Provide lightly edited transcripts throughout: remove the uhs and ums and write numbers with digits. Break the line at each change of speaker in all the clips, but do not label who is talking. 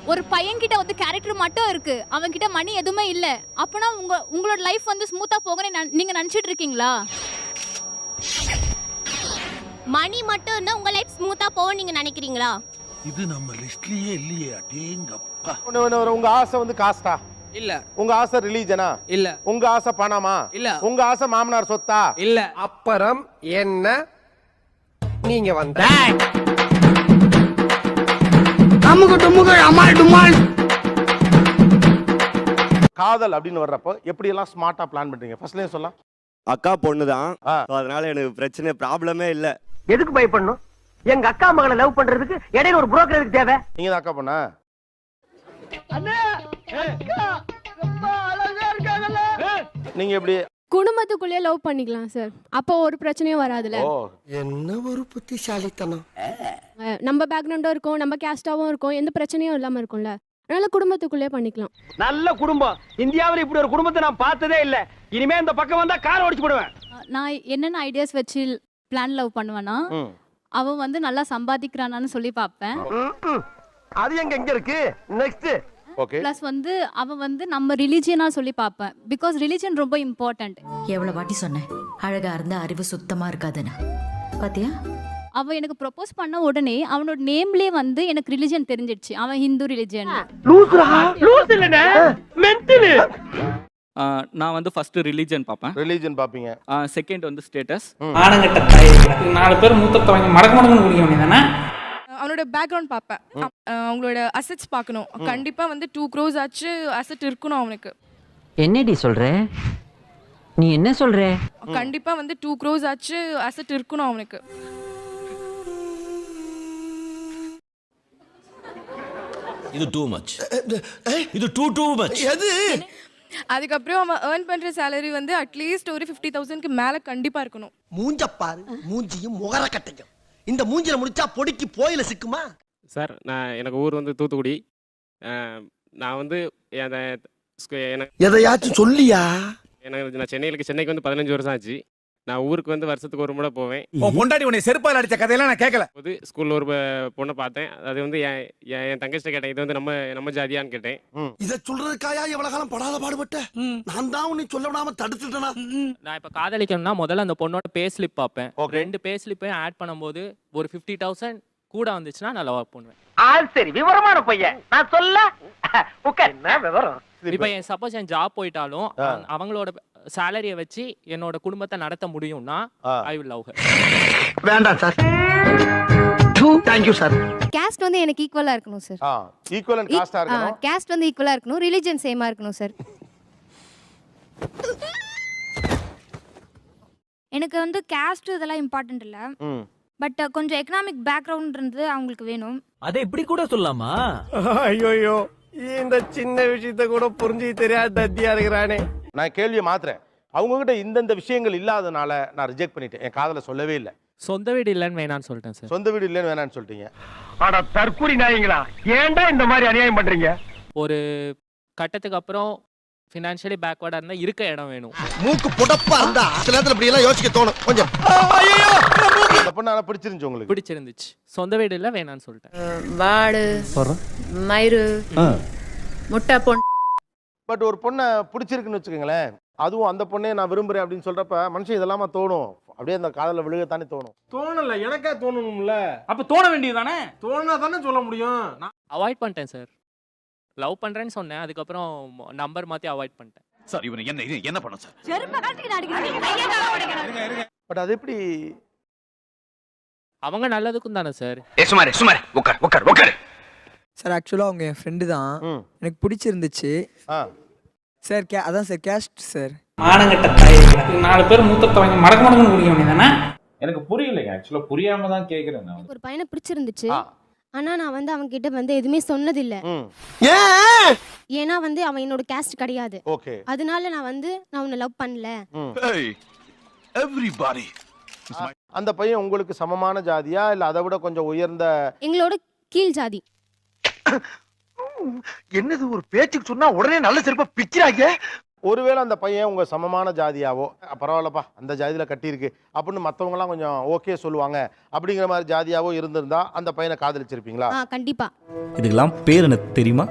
ஒரு பையன்கிட்ட வந்து கேரக்டர் மட்டும் இருக்கு, அவன் கிட்ட மணி எதுவுமே இல்ல, அப்பனா உங்களோட லைஃப் வந்து ஸ்மூத்தா போகணும்னு நீங்க நினைச்சிட்டு இருக்கீங்களா?
மணி மட்டும் இருந்தா உங்க லைஃப் ஸ்மூத்தா போகும் நீங்க நினைக்கிறீங்களா?
இது நம்ம லிஸ்ட்லயே இல்லையே. அடேங்கப்பா.
உங்க ஆசை வந்து காஸ்டா
இல்ல,
உங்க ஆசை ரிலீஜனா
இல்ல,
உங்க ஆசை பணமா
இல்ல,
உங்க ஆசை மாமனார் சொத்தா
இல்ல.
அப்புறம் என்ன நீங்க வந்த
காதல் அப்படின்னு வர்றப்போ எப்படி எல்லாம் ஸ்மார்ட்டா பிளான் பண்றீங்க? ஃபர்ஸ்ட்லயே சொல்லலாம்.
அக்கா பொண்ணுதான், அதனால எனக்கு பிரச்சனை ப்ராப்ளமே இல்ல.
எதுக்கு பயப்படணும்? எங்க அக்கா மகளை லவ் பண்றதுக்கு இடையில ஒரு புரோக்கர் எதுக்கு தேவை?
நீங்க தான் அக்கா பொண்ணா? நீங்க எப்படி
குடும்பத்துக்குள்ளே லவ் பண்ணிக்கலாம் சார், அப்போ ஒரு பிரச்சனையும் வராதுல.
என்ன ஒரு புத்திசாலித்தனம்.
நம்ம பேக்ரவுண்டும் இருக்கும், நம்ம கேஸ்டாவும் இருக்கும், எந்த பிரச்சனையும் இல்லாம இருக்கும்ல, அதனால குடும்பத்துக்குள்ளே பண்ணிக்கலாம்.
நல்ல குடும்பம். இந்தியாவில் இப்படி ஒரு குடும்பத்தை நான் பார்த்ததே இல்ல. இனிமே இந்த பக்கம் வந்தா கார் ஓடிச்சு போடுவேன்.
நான் என்னென்ன ஐடியாஸ் வச்சு பிளான் லவ் பண்ணுவேன்னா, அவன் வந்து நல்லா சம்பாதிக்கிறானான்னு சொல்லி பார்ப்பேன்.
அது எங்க இருக்கு? நெக்ஸ்ட்.
ஓகே.
பிளஸ் வந்து அவன் வந்து நம்ம ரிலிஜியனா சொல்லி பார்ப்பேன். பிகாஸ் ரிலிஜன் ரொம்ப இம்பார்ட்டன்ட்.
எவ்வளவு வாட்டி சொன்னேன் அழகா இருந்த அறிவு சுத்தமா இருக்காதுன்னு, பாத்தியா?
அவன் எனக்கு ப்ரொபோஸ் பண்ண உடனே அவனோட நேம்லயே வந்து எனக்கு ரிலிஜன் தெரிஞ்சிடுச்சு, அவன் ஹிந்து ரிலிஜன்.
நான் வந்து ஃபர்ஸ்ட் ரிலிஜன் பார்ப்பேன்.
ரிலீஜன் பாப்பீங்க.
செகண்ட் வந்து ஸ்டேட்டஸ்.
ஆனங்கட்ட தாய் 4 பேர் மூத்தத்தை வாங்கி மடக்கு குடிக்க வேண்டியதானே.
அவனோட பேக்ரவுண்ட் பார்ப்பேன், அவங்களோட அசெட்ஸ் பார்க்கணும். கண்டிப்பா வந்து 2 crores ஆச்சு அசெட் இருக்கணும் அவனுக்கு.
என்னடி சொல்ற நீ? என்ன சொல்ற?
கண்டிப்பா வந்து 2 crores ஆச்சு அசெட் இருக்கணும் அவனுக்கு.
இது டூ மச். இது டூ மச். எது?
அதுக்கப்புறம் அவன் ஏர்ன் பண்ற சேலரி வந்து அட்லீஸ்ட் ஒரு 50,000க்கு மேல கண்டிப்பா இருக்கணும்.
மூஞ்சப்பாரு, மூஞ்சியும் முகர கட்டையும். இந்த மூஞ்சில முடிச்சா பொடிக்கு போயில சிக்குமா?
சார், எனக்கு ஊர் வந்து தூத்துக்குடி. நான் வந்து
எதையாச்சும் சொல்லியா?
நான் சென்னைக்கு வந்து 15 வருஷம் ஆச்சு. நான் ஊருக்கு வந்து வருஷத்துக்கு ஒரு முறை போவேன்.
பொண்டாடி உன்னை செருப்பால் அடிச்ச கதையெல்லாம் நான் கேட்கல.
போது ஸ்கூல்ல ஒரு பொண்ணை பார்த்தேன். அது வந்து என் தங்கச்சிட்ட கேட்டேன், இது வந்து நம்ம ஜாதியான்னு கேட்டேன்.
இத சொல்றதுக்காயா எவ்வளவு காலம் படாத பாடுபட்ட? நான் தான் உன்னை சொல்ல விடாம தடுத்துட்டேனா?
நான் இப்ப காதலிக்கணும்னா முதல்ல அந்த பொண்ணோட பே ஸ்லிப் பார்ப்பேன். 2 பே ஸ்லிப்பையும் ஆட் பண்ணும்போது ஒரு 50,000 கூட வந்துச்சுன்னா நான் லவ் பண்ணுவேன்.
சரி, விவரமான பையன். நான் சொல்ல உட்கார். என்ன விவரம்?
இப்ப சப்போஸ் என் ஜாப் போயிட்டாலும் அவங்களோட சேலரியை வச்சு என்னோட குடும்பத்தை நடத்த முடியும்னா ஐ வில் லவ் ஹர்.
வேண்டாம் sir. Thank you sir.
Caste வந்து எனக்கு ஈக்குவலா இருக்கணும் சார்.
ஈக்குவலன்ட் காஸ்டா இருக்கணும்.
கேஸ்ட் வந்து ஈக்குவலா இருக்கணும், ரிலிஜன் சேமா இருக்கணும் சார். எனக்கு வந்து கேஸ்ட் இதெல்லாம் இம்பார்ட்டன்ட் இல்ல, பட் கொஞ்சம் எக்கனாமிக் பேக்ரவுண்ட் இருந்து அவங்களுக்கு வேணும்.
அதை இப்படி கூட சொல்லலாமா?
ஐயோ, இந்த சின்ன விஷயத்தை கூட புரிஞ்சு தெரியாத தத்தியா இருக்கிறானே.
நான் கேள்வியை மாத்துறேன். அவங்க கிட்ட இந்த விஷயங்கள் இல்லாதனால நான் ரிஜெக்ட் பண்ணிட்டேன். என் காதல சொல்லவே இல்லை.
சொந்த வீடு இல்லைன்னு வேணான்னு சொல்லிட்டேன் சார்.
சொந்த வீடு இல்லைன்னு வேணான்னு சொல்லிட்டீங்க.
ஆனா தற்கூரி நாயங்களா, ஏன்டா இந்த மாதிரி அநியாயம் பண்றீங்க?
ஒரு கட்டத்துக்கு அப்புறம் ஃபினான்ஷியலி பேக்வர்டா இருந்தா இருக்க இடம் வேணும்.
மூக்கு புடப்பா இருந்தா சில நேரத்துல இப்படி எல்லாம் யோசிக்க தோணும் கொஞ்சம்.
அந்த பொண்ணு ஆனா பிடிச்சிருந்துச்சு உங்களுக்கு?
பிடிச்சிருந்துச்சு. சொந்த வீடு இல்ல வேணான்னு சொல்லிட்டேன்.
வாடு மயிறு முட்டை பொண்ணு.
பட் ஒரு பொண்ணை பிடிச்சிருக்குன்னு வச்சுக்கோங்களேன், அதுவும் அந்த பொண்ணே நான் விரும்புறேன் அப்படின்னு சொல்றப்ப மனுஷன் இதெல்லாமா தோணும். அப்படியே அந்த காதல விழுகத்தானே தோணும். தோணல, எனக்கா தோணணும்ல.
அப்ப தோண வேண்டியதுதானே?
தோணா தானே சொல்ல முடியும்.
அவாய்ட் பண்ணிட்டேன் சார். லவ் பண்றேன்னு சொன்னேன், அதுக்கப்புறம் நம்பர் மாத்தி அவாய்ட் பண்ணிட்டேன்.
சார், இவனை என்ன பண்ண சார்?
பட் அது எப்படி?
அவங்க நல்லதுக்கும் தானே சார்.
சுமார் உட்கார்.
சார், ஆக்சுவலா அவங்க என் ஃப்ரெண்டு தான். எனக்கு பிடிச்சிருந்துச்சு சார். அதான் சார் கேஸ்ட் சார். ஆனங்கட்ட தாய் 4 பேர் மூத்தத்தை வாங்கி மடக்கு குடிக்க வேண்டியதானே.
எனக்கு புரியலைங்க. ஆக்சுவலா புரியாம தான் கேக்குறேன் நான்.
ஒரு பையனை பிடிச்சிருந்துச்சு, ஆனா நான் வந்து அவங்க கிட்ட வந்து எதுவுமே சொன்னதில்ல. ஏன்னா வந்து அவன் என்னோட கேஸ்ட் கிடையாது. அதனால நான் உன்னை லவ் பண்ணல.
அந்த பையன் உங்களுக்கு சமமான ஜாதியா இல்ல அதை விட கொஞ்சம் உயர்ந்த?
எங்களோட கீழ் ஜாதி.
என்னது ஒரு பேச்சுக்கு சொன்னா உடனே நல்ல செருப்பா பிச்சிராங்க.
ஒருவேளை அந்த பையன் உங்க சமமான ஜாதியாவோ பரவாயில்லப்பா அந்த ஜாதியில கட்டியிருக்கு அப்படின்னு மற்றவங்கலாம் கொஞ்சம் ஓகே சொல்லுவாங்க அப்படிங்கிற மாதிரி ஜாதியாவோ இருந்திருந்தா அந்த பையனை காதலிச்சிருப்பீங்களா?
கண்டிப்பா.
இதுக்கெல்லாம் பேர் எனக்கு தெரியுமா?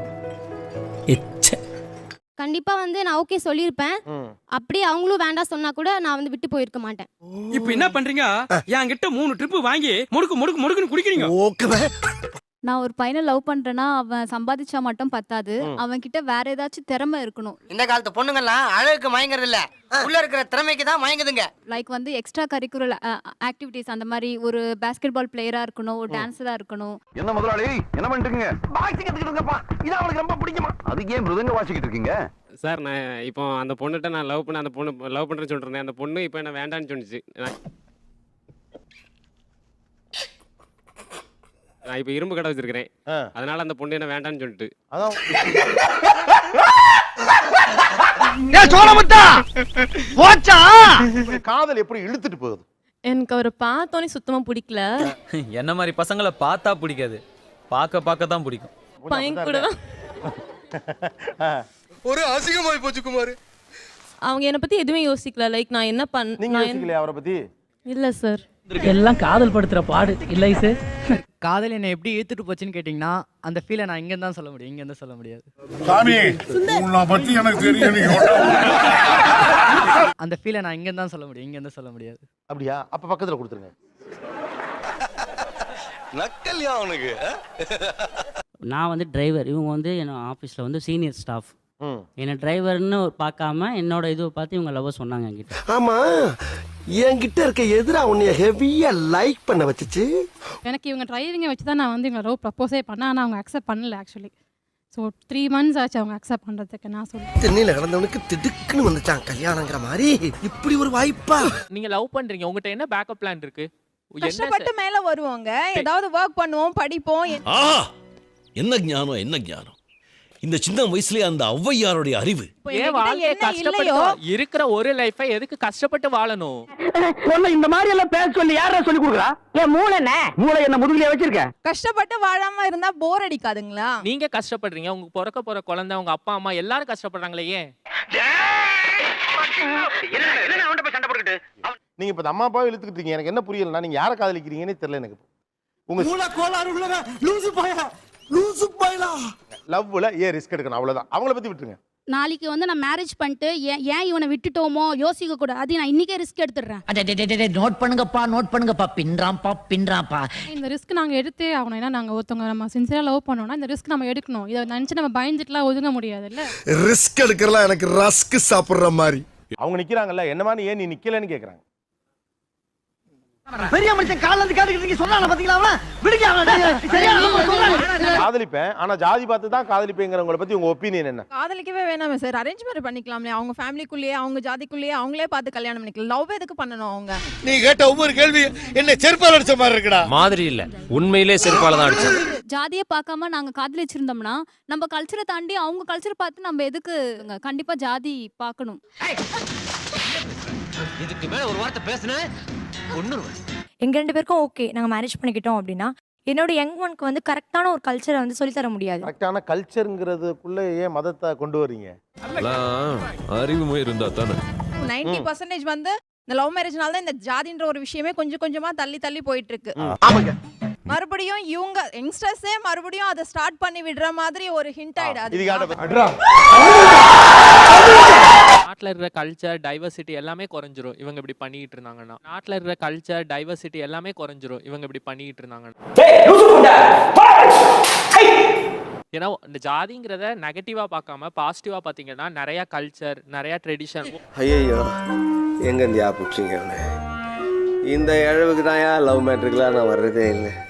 கண்டிப்பா வந்து நான் ஓகே சொல்லியிருப்பேன். அப்படியே அவங்களும் வேண்டாம் சொன்னா கூட நான் வந்து விட்டு போயிருக்க மாட்டேன்.
இப்போ என்ன பண்றீங்க? என்கிட்ட 3 ட்ரிப் வாங்கி முடுக்குன்னு குடிக்கிறீங்க.
நான் ஒரு பையனை லவ் பண்றேன்னா அவன் சம்பாதிச்சா மட்டும் பத்தாது, அவன் கிட்ட வேற ஏதாச்சும் திறமை இருக்கணும்.
இந்த காலத்து பொண்ணுங்கலாம் அழகுக்கு மயங்குறது இல்ல, உள்ள இருக்கிற திறமைக்கு தான் மயங்குதுங்க.
லைக் வந்து எக்ஸ்ட்ரா கரிக்குலர் ஆக்டிவிட்டிஸ், அந்த மாதிரி ஒரு பாஸ்கெட் பால் பிளேயரா இருக்கணும், ஒரு டான்ஸரா இருக்கணும்.
என்ன முதலாளி என்ன பண்ணிட்டு பாக்ஸிங் கத்துக்கிட்டு இருக்கப்பா, இது அவங்களுக்கு ரொம்ப பிடிக்குமா? அதுக்கு ஏன் மிருதங்க வாசிக்கிட்டு இருக்கீங்க?
சார் நான் இப்போ அந்த பொண்ணுகிட்ட நான் லவ் பண்ண அந்த பொண்ணு லவ் பண்ணுறேன்னு சொல்லிட்டு இருந்தேன். அந்த பொண்ணு இப்போ என்ன வேண்டான்னு சொன்னிச்சு. நான் இப்போ இரும்பு கடை வச்சிருக்கிறேன், அதனால அந்த பொண்ணு என்ன வேண்டான்னு சொல்லிட்டு.
காதல் எப்படி இழுத்துட்டு போகுது?
எனக்கு அவரை பார்த்தோன்னே சுத்தமா பிடிக்கல.
என்ன மாதிரி பசங்களை பார்த்தா பிடிக்காது, பார்க்க தான் பிடிக்கும்.
பையன் கூட
ஒரு அசிங்கமாய் போச்சு குமார்.
அவங்க என்ன பத்தி எதுவுமே யோசிக்கல. லைக் நான் என்ன
நீங்க யோசிக்கலையா அவரை பத்தி?
இல்ல சார்.
எல்லாம் காதல் படுத்துற பாடு இல்லை சார்.
காதல் என்னை எப்படி இழுத்துட்டு போச்சுன்னு கேட்டிங்கன்னா அந்த ஃபீலை நான் இங்கே தான் சொல்ல முடியும், இங்கே தான் சொல்ல முடியாது. அந்த ஃபீலை நான் இங்கே தான் சொல்ல முடியும், இங்கே தான் சொல்ல முடியாது.
அப்படியா? அப்ப பக்கத்துல கொடுத்துருங்க.
நக்கல்யா அவனுக்கு.
நான் வந்து டிரைவர், இவங்க வந்து என்ன ஆஃபீஸில் வந்து சீனியர் ஸ்டாஃப். என்ன டிரைவர்னு பார்க்காம என்னோட இதுவை பார்த்து இவங்க லவ் சொன்னாங்க என்கிட்ட.
ஆமா, என்கிட்ட இருக்க எதிரா உன்னைய ஹெவியா லைக் பண்ண வச்சுச்சு.
எனக்கு இவங்க டிரைவிங்கை வச்சு தான் நான் வந்து இவங்க லவ் ப்ரப்போஸே பண்ணேன். ஆனால் அவங்க அக்செப்ட் பண்ணல ஆக்சுவலி. ஸோ 3 months ஆச்சு அவங்க அக்செப்ட் பண்ணுறதுக்கு. நான் சொல்லுவேன்
தென்னையில கிடந்தவனுக்கு திடுக்குன்னு வந்துச்சான் கல்யாணங்கிற மாதிரி. இப்படி ஒரு வாய்ப்பா?
நீங்க லவ் பண்றீங்க, உங்ககிட்ட என்ன பேக்கப் பிளான் இருக்கு?
கஷ்டப்பட்டு மேலே வருவாங்க, ஏதாவது ஒர்க் பண்ணுவோம், படிப்போம்.
என்ன ஞானம், என்ன ஞானம்! இந்த சின்ன வயசுலயே அந்த ஔவையாருடைய அறிவு.
ஏன் வாழ்க்கைய கஷ்டப்பட்டு இருக்கிற ஒரு லைஃபை எதுக்கு கஷ்டப்பட்டு வாழணும்?
இந்த மாதிரி எல்லாம் பேச சொல்லி யாரா சொல்லி கொடுக்குறா? ஏன் மூளை என்ன முதுகுலயே வச்சிருக்க?
கஷ்டப்பட்டு வாழாம இருந்தா போர் அடிக்காதுங்களா?
நீங்க கஷ்டப்படுறீங்க, உங்க பிறக்க போற குழந்தை, உங்க அப்பா அம்மா எல்லாரும் கஷ்டப்படுறாங்களே, ஏன்?
நீங்க இப்ப அம்மா அப்பாவை இழுத்துக்கிட்டு இருக்கீங்க. எனக்கு என்ன புரியலன்னா நீங்க யாரை காதலிக்கிறீங்கன்னு தெரியல எனக்கு. உங்க லவ்ல ஏன் ரிஸ்க் எடுக்கணும்? அவ்வளவுதான். அவங்கள பத்தி விட்டுருங்க.
நாளைக்கு வந்து நான் மேரேஜ் பண்ணிட்டு ஏன் இவனை விட்டுட்டோமோ யோசிக்க கூடாது. அது நான் இன்னைக்கே ரிஸ்க் எடுத்துடுறேன்.
நோட் பண்ணுங்கப்பா, பின்றாம்பா.
இந்த ரிஸ்க் நாங்க எடுத்தே ஆகணும். ஏன்னா நாங்க ஒருத்தவங்க நம்ம சின்சியரா லவ் பண்ணோம்னா இந்த ரிஸ்க் நம்ம எடுக்கணும். இதை நினைச்சு நம்ம பயந்துட்டுலாம் ஒதுங்க முடியாது இல்ல.
ரிஸ்க் எடுக்கிறலாம் எனக்கு ரஸ்க் சாப்பிடுற மாதிரி.
அவங்க நிக்கிறாங்கல்ல, என்ன மாதிரி ஏன் நீ நிக்கலன்னு கேக்குறாங்க.
பெரிய மனுஷன் கால்ல இருந்து காதுக்கு சொன்னானே பாத்தீங்களா? அவன விடுங்க அவன.
காதலிப்பேன், ஆனா ஜாதி பார்த்து தான் காதலிப்பேங்கறவங்கள பத்தி உங்க ஒபினியன் என்ன?
காதலிக்கவே வேணாமே சார், அரேஞ்ச் மேரேஜ் பண்ணிக்கலாம்ல. அவங்க ஃபேமிலிக்குள்ளேயே அவங்க ஜாதிக்குள்ளேயே அவங்களே பார்த்து கல்யாணம் பண்ணிக்கலாம். லவ் எதுக்கு பண்ணணும் அவங்க?
நீ கேட்ட ஒவ்வொரு கேள்வி என்ன செருப்பால அடிச்ச மாதிரி இருக்குடா.
மாதிரி இல்ல, உண்மையிலே செருப்பால தான் அடிச்சது.
ஜாதியை பார்க்காம நாங்க காதலிச்சிருந்தோம்னா நம்ம கல்ச்சரை தாண்டி அவங்க கல்ச்சரை பார்த்து நம்ம எதுக்கு? கண்டிப்பா ஜாதி பார்க்கணும்.
இதுக்கு மேல ஒரு வார்த்தை பேசுனே ஒண்ணுருவேன்.
எங்க 2 பேருக்கும் ஓகே, நாங்க மேரேஜ் பண்ணிக்கிட்டோம் அப்படின்னா என்னோட யங் ஒன்க்கு வந்து கரெக்டான ஒரு கல்ச்சரை வந்து சொல்லி தர முடியாது.
கரெக்டான கல்ச்சர்ங்கிறதுக்குள்ள ஏன் மதத்தை கொண்டு வர்றீங்க?
அறிவு இருந்தா தானே.
90% வந்து இந்த லவ் மேரேஜ்னால தான் இந்த ஜாதின்ற ஒரு விஷயமே கொஞ்சம் கொஞ்சமா தள்ளி போயிட்டு இருக்கு. மறுபடியும் இவங்க யங்ஸ்டர்ஸே மறுபடியும் அதை ஸ்டார்ட் பண்ணி விடுற மாதிரி ஒரு ஹிண்ட் ஆயிடாது.
நாட்டில் இருக்கிற கல்ச்சர் டைவர்சிட்டி எல்லாமே குறைஞ்சிரும் இவங்க இப்படி பண்ணிட்டு இருந்தாங்கன்னா. நாட்டில் இருக்கிற கல்ச்சர் டைவர்சிட்டி எல்லாமே குறைஞ்சிரும் இவங்க இப்படி பண்ணிட்டு இருந்தாங்கன்னா. ஏன்னா இந்த ஜாதிங்கிறத நெகட்டிவா பார்க்காம பாசிட்டிவா பார்த்தீங்கன்னா நிறைய கல்ச்சர், நிறைய ட்ரெடிஷன்.
ஐயோ, எங்க இந்தியா புடிச்சிங்க? இந்த இழவுக்கு தான் லவ் மேட்ருக்குலாம் நான் வர்றதே இல்லை.